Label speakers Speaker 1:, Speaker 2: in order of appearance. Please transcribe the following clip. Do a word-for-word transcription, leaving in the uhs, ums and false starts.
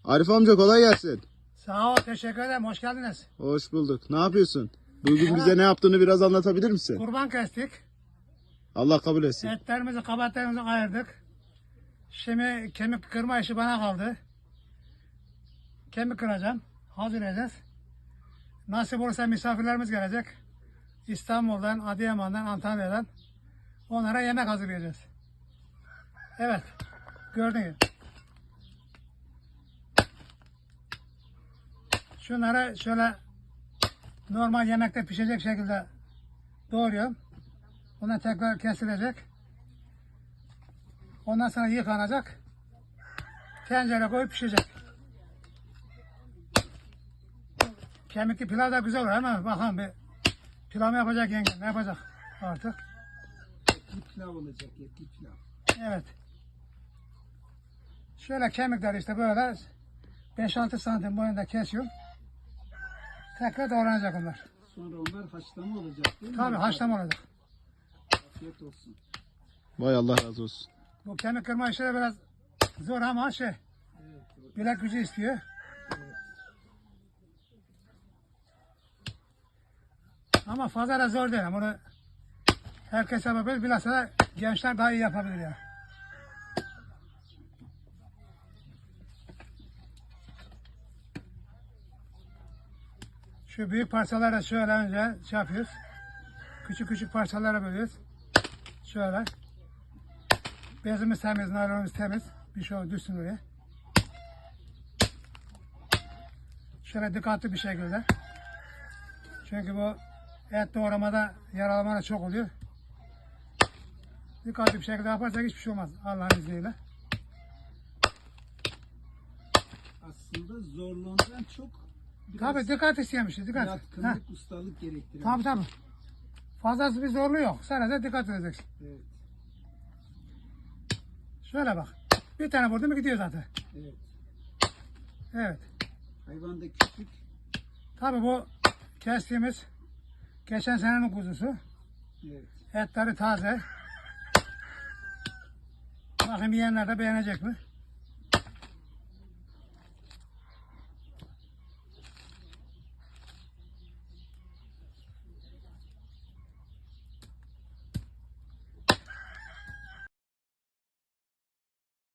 Speaker 1: Arif amca kolay gelsin.
Speaker 2: Sağ ol, teşekkür ederim. Hoş geldiniz.
Speaker 1: Hoş bulduk. Ne yapıyorsun? Bugün bize ne yaptığını biraz anlatabilir misin?
Speaker 2: Kurban kestik.
Speaker 1: Allah kabul etsin.
Speaker 2: Etlerimizi, kabaklarımızı ayırdık. Şimdi kemik kırma işi bana kaldı. Kemik kıracağım. Hazırlayacağız. Nasip olursa misafirlerimiz gelecek. İstanbul'dan, Adıyaman'dan, Antalya'dan. Onlara yemek hazırlayacağız. Evet. Gördünüz. Şunları şöyle normal yemekte pişecek şekilde doğruyorum. Bunlar tekrar kesilecek. Ondan sonra yıkanacak. Tencere koyup pişecek. Kemikli pilav da güzel olur ama bakalım bir pilav mı yapacak yenge, ne yapacak artık.
Speaker 3: Etli pilav olacak, etli pilav.
Speaker 2: Evet. Şöyle kemikler işte böyle beş altı santim boyunda kesiyorum. Tekrar doğranacak onlar.
Speaker 3: Sonra onlar haşlama olacak değil mi?
Speaker 2: Tabii haşlama olacak.
Speaker 3: Afiyet olsun.
Speaker 1: Vay Allah razı olsun.
Speaker 2: Bu kemik kırma işleri biraz zor ama şey,
Speaker 3: Evet,
Speaker 2: bilek gücü istiyor.
Speaker 3: evet.
Speaker 2: Ama fazla da zor değil. Bunu herkes yapabilir. Bilhassa da gençler daha iyi yapabilir ya. Şu büyük parçalara şöyle önce şey yapıyoruz. Küçük küçük parçalara bölüyoruz. Şöyle. Bezimiz temiz, naylonumuz temiz. Bir şey düşsün oraya. Şöyle dikkatli bir şekilde. Çünkü bu et doğramada yaralamada çok oluyor. Dikkatli bir şekilde yaparsak hiçbir şey olmaz Allah'ın izniyle.
Speaker 3: Aslında zorluğundan çok biraz
Speaker 2: Tabii dikkat isteyen bir şey. Dikkat. Heh.
Speaker 3: yatkınlık, ustalık gerektiren.
Speaker 2: Tabii tabii. Fazlası bir zorluğu yok. Sadece dikkat edeceksin.
Speaker 3: Evet,
Speaker 2: Şöyle bak. Bir tane vurdu mu gidiyor zaten.
Speaker 3: evet.
Speaker 2: Evet.
Speaker 3: Hayvanda küçük.
Speaker 2: Tabii bu kestiğimiz geçen senenin kuzusu.
Speaker 3: Evet.
Speaker 2: Etleri taze. Bakayım yiyenler de beğenecek mi?